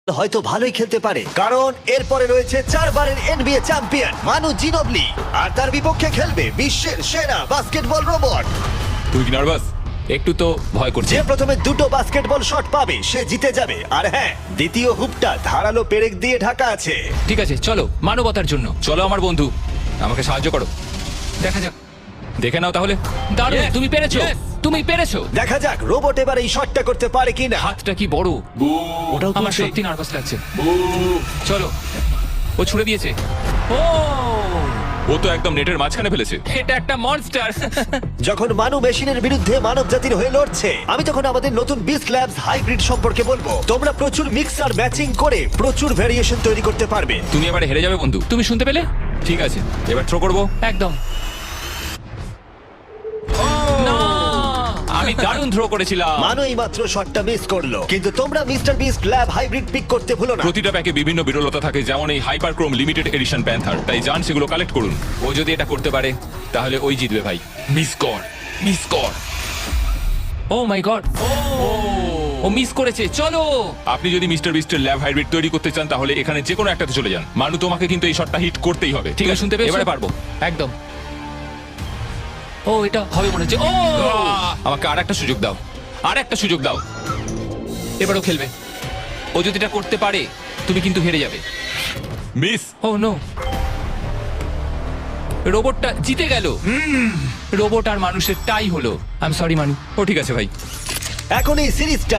হয়তো ভালোই খেলতে পারে, কারণ এরপরে রয়েছে 4 বারের NBA চ্যাম্পিয়ন মানু জিনোবলি, আর তার বিপক্ষে খেলবে বিশ্বের সেরা বাস্কেটবল রোবট। তুই কি নার্ভাস? একটু তো ভয় করছে। যে প্রথমে 2টো বাস্কেটবল শট পাবে সে জিতে যাবে। আর হ্যাঁ, দ্বিতীয় হুপটা ধারালো পেরেক দিয়ে ঢাকা আছে। ঠিক আছে, চলো মানবতার জন্য। চলো আমার বন্ধু, আমাকে সাহায্য করো। দেখা যাক, দেখে নাও তাহলে। দারুণ, Yes, তুমি পেরেছো, yes. তুমি পেরেছো। দেখা যাক রোবট এবার এই শটটা করতে পারে কিনা। হাতটা কি বড়! ওটাও আমার তুলছে। সত্যি নার্ভাস লাগছে। চলো, ও ছুড়ে দিয়েছে। ও, ও তো একদম নেটের মাঝখানে ফেলেছে। এটা একটা মনস্টার। যখন মানু মেশিনের বিরুদ্ধে মানব জাতির হয়ে লড়ছে, আমি তখন আমাদের নতুন বিস্ট ল্যাবস হাইব্রিড সম্পর্কে বলবো। তোমরা প্রচুর মিক্সার ম্যাচিং করে প্রচুর ভেরিয়েশন তৈরি করতে পারবে। তুমি এবারে হেরে যাবে বন্ধু। তুমি শুনতে পেলে? ঠিক আছে, এবার থ্রো করবো। একদম। না, আমি দারুণ থ্রো করেছিলাম। মানু এই মাত্র শটটা মিস করলো, কিন্তু তোমরা mister Beast lab hybrid pick করতে ভুলো না। প্রতিটা প্যাকে বিভিন্ন বিরলতা থাকে, যেমন এই হাইপারক্রোম লিমিটেড এডিশন প্যান্থার। তাই যান সেগুলো কালেক্ট করুন। ও যদি এটা করতে পারে তাহলে ওই জিতবে ভাই। মিস কর, মিস কর। ও মাই গড, ও মিস করেছে। চলো, আপনি যদি মিস্টার বিস্টের ল্যাব হাইব্রিড তৈরি করতে চান তাহলে এখানে যে কোনো একটাতে চলে যান। মানু, তোমাকে কিন্তু এই শটটা হিট করতেই হবে। ঠিক আছে, শুনতে পেয়েছো? এবারে পারবো। একদম। ও, এটা হবে মনে হচ্ছে। ও, আমাকে আর একটা সুযোগ দাও, আর একটা সুযোগ দাও। এবারও খেলবে। ও যদি এটা করতে পারে তুমি কিন্তু হেরে যাবে। মিস। ও নো, রোবটটা জিতে গেল। রোবট আর মানুষের টাই হলো। আই এম সরি মানু। ও ঠিক আছে ভাই। এখন এই সিরিজটা